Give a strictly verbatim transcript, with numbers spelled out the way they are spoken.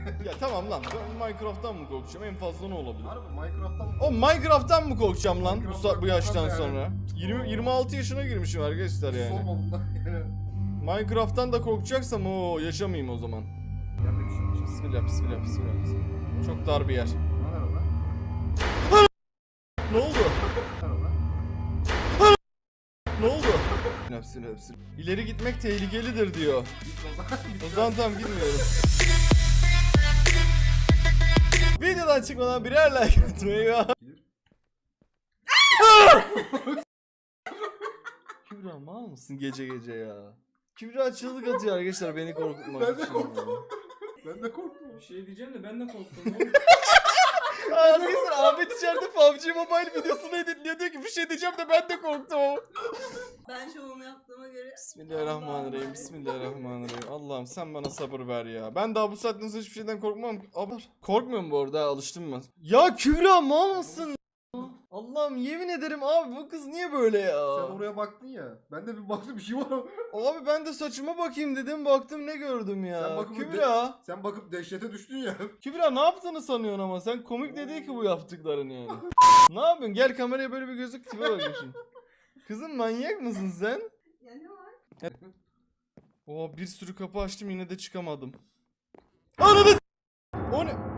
Ya tamam lan, ben Minecraft'tan mı korkacağım? En fazla ne olabilir? Harbi Minecraft'tan mı? O Minecraft'tan mı korkacağım lan bu, Minecraft'tan bu yaştan yani. sonra? yirmi yirmi altı yaşına girmişim arkadaşlar yani. Sorma bundan yani. Minecraft'tan da korkacaksam o yaşamayayım o zaman. Yerde bir şey olacak. Bismillah bismillah bismillah. bismillah. Çok dar bir yer. Ne var orada? Ne oldu? Ne var orada? Ne oldu? Bismillah bismillah. İleri gitmek tehlikelidir diyor. Git o zaman. O zaman tam gitmiyorum. Videodan çıkmadan birer like atmayı ve... Kübra mal mısın gece gece ya? Kübra çığlık atıyor arkadaşlar beni korkutmak Ben de için. korktum. Ben de korktum. Bir şey diyeceğim de ben de korktum oğlum. Arkadaşlar Ahmet içeride P U B G Mobile videosunu editliyor, diyor ki bir şey diyeceğim de ben de korktum. Ben şovumu yaptığıma göre... Bismillahirrahmanirrahim. Bismillahirrahmanirrahim. Allah'ım sen bana sabır ver ya. Ben daha bu saatten sonra hiçbir şeyden korkmam. Abi, korkmuyorum bu arada, alıştım ben. Ya Kübra mal mısın? Allah'ım yemin ederim abi, bu kız niye böyle ya? Sen oraya baktın ya. Ben de bir baktım bir şey var ama. Abi ben de saçıma bakayım dedim, baktım ne gördüm ya. Sen bakıp Kübra. Sen bakıp dehşete düştün ya. Kübra ne yaptığını sanıyorsun ama, sen komik de değil ki bu yaptıkların yani. Ne yapıyorsun? Gel kameraya böyle bir gözük, tipe bakayım şimdi. Kızım manyak mısın sen? Ya ne var? Oo bir sürü kapı açtım yine de çıkamadım. Ananı s- O ne?